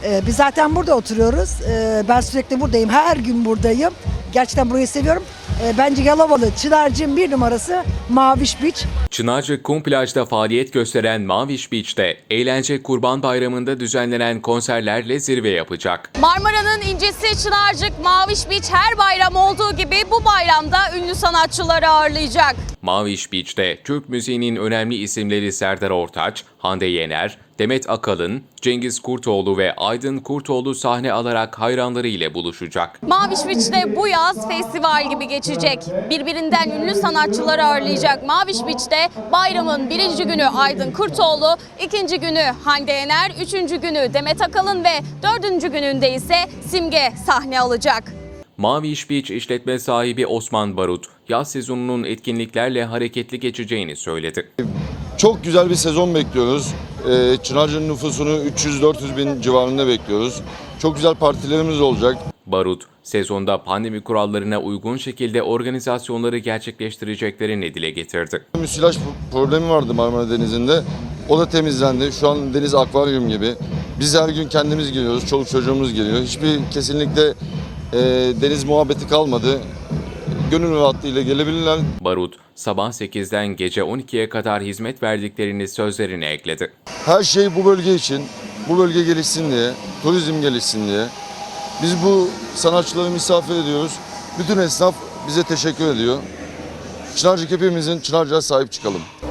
Biz zaten burada oturuyoruz. Ben sürekli buradayım. Her gün buradayım. Gerçekten burayı seviyorum. Bence Yalovalı Çınarcık'ın bir numarası Maviş Beach. Çınarcık Kum Plaj'da faaliyet gösteren Maviş Beach'te eğlence Kurban Bayramı'nda düzenlenen konserlerle zirve yapacak. Marmara'nın incisi Çınarcık Maviş Beach her bayram olduğu gibi bu bayramda ünlü sanatçıları ağırlayacak. Maviş Beach'te Türk müziğinin önemli isimleri Serdar Ortaç, Hande Yener, Demet Akalın, Cengiz Kurtoğlu ve Aydın Kurtoğlu sahne alarak hayranları ile buluşacak. Maviş Beach'te bu yaz festival gibi geçecek. Birbirinden ünlü sanatçıları ağırlayacak Maviş Beach'te bayramın birinci günü Aydın Kurtoğlu, ikinci günü Hande Yener, üçüncü günü Demet Akalın ve dördüncü gününde ise Simge sahne alacak. Maviş Beach işletme sahibi Osman Barut, yaz sezonunun etkinliklerle hareketli geçeceğini söyledi. Çok güzel bir sezon bekliyoruz. Çınarcık'ın nüfusunu 300-400 bin civarında bekliyoruz. Çok güzel partilerimiz olacak. Barut, sezonda pandemi kurallarına uygun şekilde organizasyonları gerçekleştireceklerini dile getirdi. Müsilaj problemi vardı Marmara Denizi'nde. O da temizlendi. Şu an deniz akvaryum gibi. Biz her gün kendimiz geliyoruz, çoluk çocuğumuz geliyor. Hiçbir kesinlikle deniz muhabbeti kalmadı. Gönül rahatlığıyla gelebilirler. Barut, sabah 8'den gece 12'ye kadar hizmet verdiklerini sözlerine ekledi. Her şey bu bölge için, bu bölge gelişsin diye, turizm gelişsin diye. Biz bu sanatçıları misafir ediyoruz. Bütün esnaf bize teşekkür ediyor. Çınarcık hepimizin, Çınarcık'a sahip çıkalım.